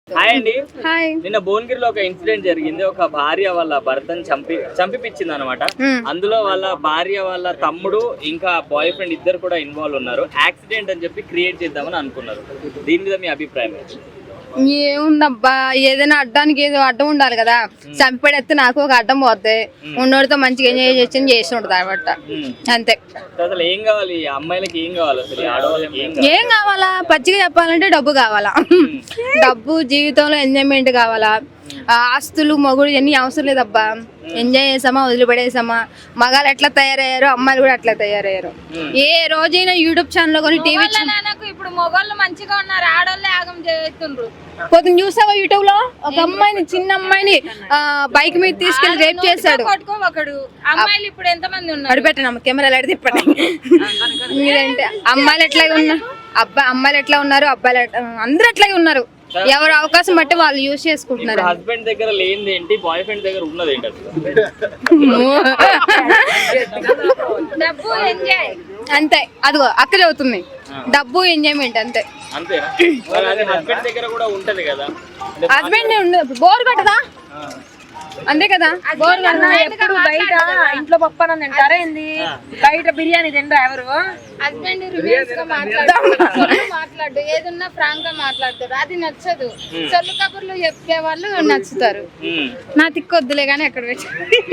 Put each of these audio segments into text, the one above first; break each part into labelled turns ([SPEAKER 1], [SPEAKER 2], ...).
[SPEAKER 1] Hi అండి.
[SPEAKER 2] Hi.
[SPEAKER 1] నిన్న భువనగిరిలో ఒక ఇన్సిడెంట్ జరిగింది. ఒక భార్య వాళ్ళ భర్తను చంపిపించింది అనమాట. అందులో వాళ్ళ భార్య వాళ్ళ తమ్ముడు ఇంకా బాయ్ ఫ్రెండ్ ఇద్దరు కూడా ఇన్వాల్వ్ ఉన్నారు. యాక్సిడెంట్ అని చెప్పి క్రియేట్ చేద్దామని అనుకున్నారు. దీని మీద మీ అభిప్రాయం?
[SPEAKER 2] ఏముందబ్బా, ఏదైనా అడ్డానికి ఏదో అడ్డం ఉండాలి కదా. చంపేస్తే నాకు ఒక అడ్డం పోతే ఉన్నోడితో మంచిగా ఎంజాయ్ చేసి ఉంటుంది అనమాట. అంతే.
[SPEAKER 1] అసలు ఏం కావాలి అమ్మాయిలకి? ఏం కావాలి అసలు ఆడవాళ్ళకి?
[SPEAKER 2] ఏం కావాలా? పచ్చిగా చెప్పాలంటే డబ్బు కావాలా. డబ్బు, జీవితంలో ఎంజాయ్మెంట్ కావాలా. ఆస్తులు, మొగుడు ఇవన్నీ అవసరం లేదబ్బా. ఎంజాయ్ చేసామా, వదిలిపడేసామా. మగాళ్ళు ఎట్లా తయారయ్యారు, అమ్మాయిలు కూడా అట్లా తయారయ్యారు. ఏ రోజైనా యూట్యూబ్ ఛానల్ కొని టీవీ
[SPEAKER 3] ఇప్పుడు మొగోళ్ళు మంచిగా ఉన్నారు, ఆడోళ్ళే ఆగం చేస్తుండ్రు.
[SPEAKER 2] పొద్దున్న చూసావా యూట్యూబ్ లో ఒక అమ్మాయిని, చిన్న అమ్మాయిని బైక్ మీద తీసుకెళ్లి రేప్ చేశాడు.
[SPEAKER 3] ఒకడు అమ్మాయిలు ఇప్పుడు ఎంత మంది ఉన్నారు?
[SPEAKER 2] అడిపెట్టాను కెమెరాలు అడిగి తిప్పండి. మీరంటే అమ్మాయిలు ఎట్లాగే ఉన్నారు, అమ్మాయిలు ఎట్లా ఉన్నారు, అబ్బాయిలు అందరూ అట్లాగే ఉన్నారు. ఎవరు అవకాశం బట్టి వాళ్ళు యూజ్ చేసుకుంటున్నారు.
[SPEAKER 1] హస్బెండ్ దగ్గర లేనిది ఏంటి, బాయ్ ఫ్రెండ్ దగ్గర ఉన్నది ఏంటి అసలు?
[SPEAKER 3] డబ్బు, ఎంజాయ్
[SPEAKER 2] అంతే. అదిగో అక్కడ అవుతుంది, డబ్బు, ఎంజాయ్మెంట్ అంతే.
[SPEAKER 1] అంతేనా? హస్బెండ్ దగ్గర కూడా ఉంటది కదా.
[SPEAKER 2] హస్బెండ్ ఉండదు, బోర్ కొట్టదా? అంతే కదా. బోర్
[SPEAKER 3] ఎప్పుడు బయట ఇంట్లో పప్పు తింటారా ఏంది? బయట బిర్యానీ తింటారా ఎవరు? హస్బెండ్ రివర్స్ గా మాట్లాడు, ఏదన్నా ఫ్రాంక్ గా మాట్లాడతారు, అది నచ్చదు. సొల్లు కబుర్లు చెప్పే వాళ్ళు నచ్చుతారు.
[SPEAKER 2] నా తిక్కొద్దులే గానీ ఎక్కడ పెట్టి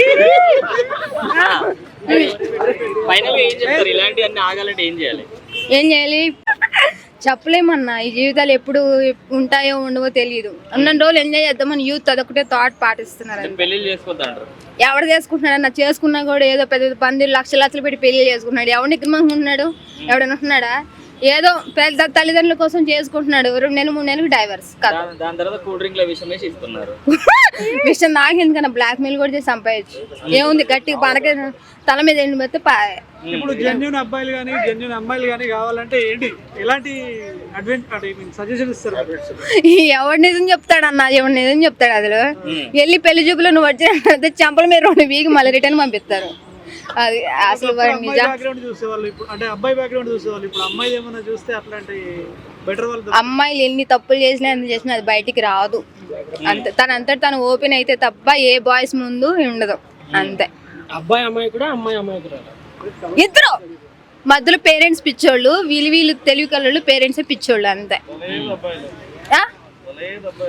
[SPEAKER 1] ఫైనల్ గా ఏం చెప్తారు? ఇలాంటివన్నీ ఆగాలంటే ఏం చేయాలి?
[SPEAKER 2] ఏం చేయాలి చెప్పలేమన్నా. ఈ జీవితాలు ఎప్పుడు ఉంటాయో ఉండవో తెలియదు. ఉన్న రోజులు ఎంజాయ్ చేద్దామని యూత్ అదొకటే థాట్ పాటిస్తున్నారు.
[SPEAKER 1] పెళ్లి చేసుకోవద్దంటారు.
[SPEAKER 2] ఎవరు చేసుకుంటున్నాడు అన్న? చేసుకున్నా కూడా ఏదో పెద్ద పందిరు లక్షలు పెట్టి పెళ్లి చేసుకుంటున్నాడు. ఎవరిని ఉంటున్నాడు? ఎవడైనా ఉంటున్నాడా? ఏదో పెద్ద తల్లిదండ్రుల కోసం చేసుకుంటున్నాడు. 2 నెలలు 3 నెలలకు డైవర్స్.
[SPEAKER 1] దాని తర్వాత కూల్ డ్రింక్ లో విషయం వేసి ఇస్తున్నారు.
[SPEAKER 2] విషయం నాకెందుకన్నా బ్లాక్ మెయిల్ కూడా చేసి సంపాదించు. ఏముంది, గట్టిగా పడక తల మీద ఎండి పెడితే
[SPEAKER 4] ఇప్పుడు జెన్యూన్ అబ్బాయిలు కానీ జెన్యూన్ అమ్మాయిలు కానీ కావాలంటే ఏంటి, ఎలాంటి సజెషన్ ఇస్తారు?
[SPEAKER 2] ఎవడు నిజం చెప్తాడన్నా, ఎవడు నిజం చెప్తాడు? అసలు వెళ్ళి పెళ్లి చూపులో నువ్వు వచ్చిన చంపల మీద 2 వీక్ మళ్ళీ రిటర్న్ పంపిస్తారు. అది అసలు
[SPEAKER 4] బ్యాక్గ్రౌండ్ చూసేవాళ్ళు ఇప్పుడు, అంటే అబ్బాయి బ్యాక్గ్రౌండ్ చూసేవాళ్ళు ఇప్పుడు అమ్మాయి ఏమన్నా చూస్తే అట్లాంటి బెటర్ వాళ్ళు.
[SPEAKER 2] అమ్మాయిలు ఎన్ని తప్పులు చేసినా ఎంత చేసినా అది బయటికి రాదు. అంతే, తను ఓపెన్ అయితే తప్ప ఏ బాయ్స్ ముందు ఉండదు. అంతే.
[SPEAKER 4] అబ్బాయి అమ్మాయి కూడా, అమ్మాయి అమ్మాయి కూడా
[SPEAKER 2] ఇద్దరు మధ్యలో పేరెంట్స్ పిచ్చోళ్ళు, వీళ్ళు తెలివి కళ్ళు, పేరెంట్స్ పిచ్చోళ్ళు. అంతే.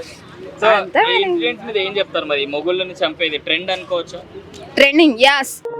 [SPEAKER 1] ఏం చెప్తారు మరి? మొగుళ్ళని చంపేది ట్రెండ్ అనుకోవచ్చు.
[SPEAKER 2] Trending, as.